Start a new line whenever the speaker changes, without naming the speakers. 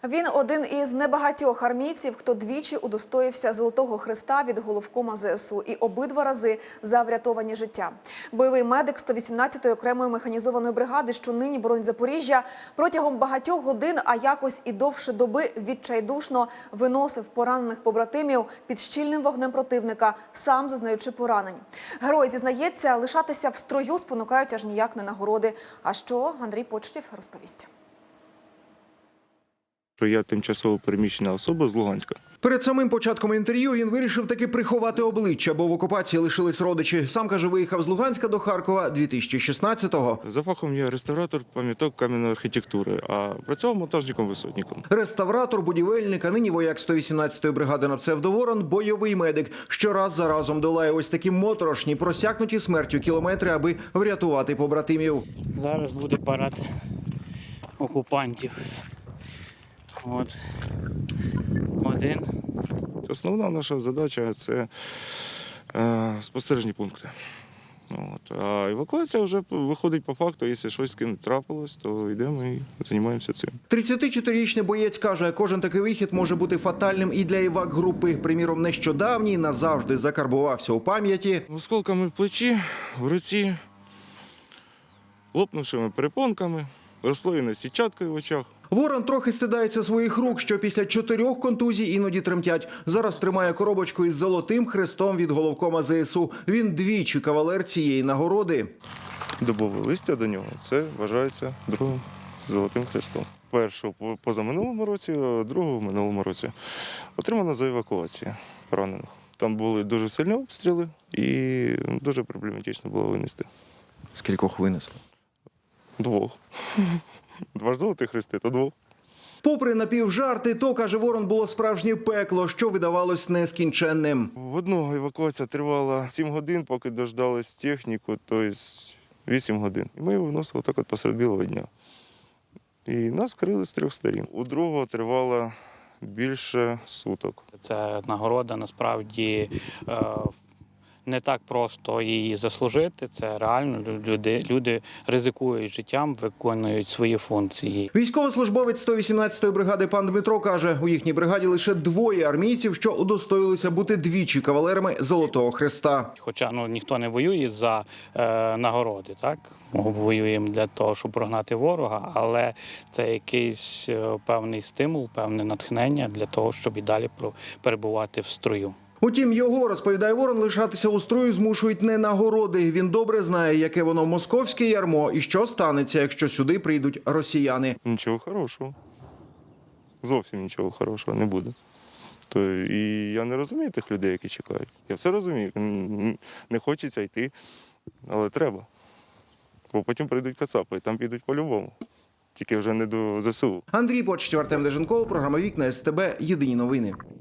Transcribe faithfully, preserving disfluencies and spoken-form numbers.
Він один із небагатьох армійців, хто двічі удостоївся Золотого Хреста від головкома зе ес у і обидва рази за врятовані життя. Бойовий медик сто вісімнадцятої окремої механізованої бригади, що нині боронить Запоріжжя, протягом багатьох годин, а якось і довше доби відчайдушно виносив поранених побратимів під щільним вогнем противника, сам зазнаючи поранень. Герой зізнається, лишатися в строю спонукають аж ніяк не нагороди. А що, Андрій Почтів розповість.
Я тимчасово переміщена особа з Луганська.
Перед самим початком інтерв'ю він вирішив таки приховати обличчя, бо в окупації лишились родичі. Сам, каже, виїхав з Луганська до Харкова дві тисячі шістнадцятого.
За фахом я реставратор пам'яток кам'яної архітектури, а працював монтажником-висотником.
Реставратор, будівельник, а нині вояк сто вісімнадцятої бригади на псевдоворон, бойовий медик. Щораз за разом долає ось такі моторошні, просякнуті смертю кілометри, аби врятувати побратимів.
Зараз буде парад окупантів. От. Один.
Основна наша задача – це е, спостережні пункти. От. А евакуація вже виходить по факту, якщо щось з ким трапилось, то йдемо і займаємося цим.
тридцятичотирирічний боєць каже, кожен такий вихід може бути фатальним і для івак-групи. Приміром, нещодавній назавжди закарбувався у пам'яті.
Осколками в плечі, в руці, лопнувшими перепонками, розслоєною сітчаткою в очах.
Ворон трохи стидається своїх рук, що після чотирьох контузій іноді тремтять. Зараз тримає коробочку із Золотим Хрестом від головкома зе ес у. Він двічі кавалер цієї нагороди.
Дубове листя до нього – це вважається другим Золотим Хрестом. Першу – позаминулому році, а другу – в минулому році. Отримана за евакуацію поранених. Там були дуже сильні обстріли і дуже проблематично було винести.
Скількох винесли?
Двох. Два Золотих Хрести, то двох.
Попри напівжарти, то, каже Ворон, було справжнє пекло, що видавалось нескінченним.
В одного евакуація тривала сім годин, поки дождались техніку, тобто вісім годин. І ми його виносили так от посеред білого дня. І нас крили з трьох сторін. У другого тривало більше суток.
Це нагорода, насправді, не так просто її заслужити. Це реально люди, люди ризикують життям, виконують свої функції.
Військовослужбовець сто вісімнадцятої бригади пан Дмитро каже, у їхній бригаді лише двоє армійців, що удостоїлися бути двічі кавалерами Золотого Хреста.
Хоча ну, ніхто не воює за е, нагороди, так? Ми воюємо для того, щоб прогнати ворога, але це якийсь е, певний стимул, певне натхнення для того, щоб і далі перебувати в строю.
Утім, його, розповідає Ворон, лишатися у строю змушують не нагороди. Він добре знає, яке воно московське ярмо і що станеться, якщо сюди прийдуть росіяни.
Нічого хорошого. Зовсім нічого хорошого не буде. То і я не розумію тих людей, які чекають. Я все розумію. Не хочеться йти, але треба. Бо потім прийдуть кацапи, і там підуть по-любому. Тільки вже не до зе ес у.
Андрій Почтів, Артем Деженков, програма «Вікна ес те бе», єдині новини.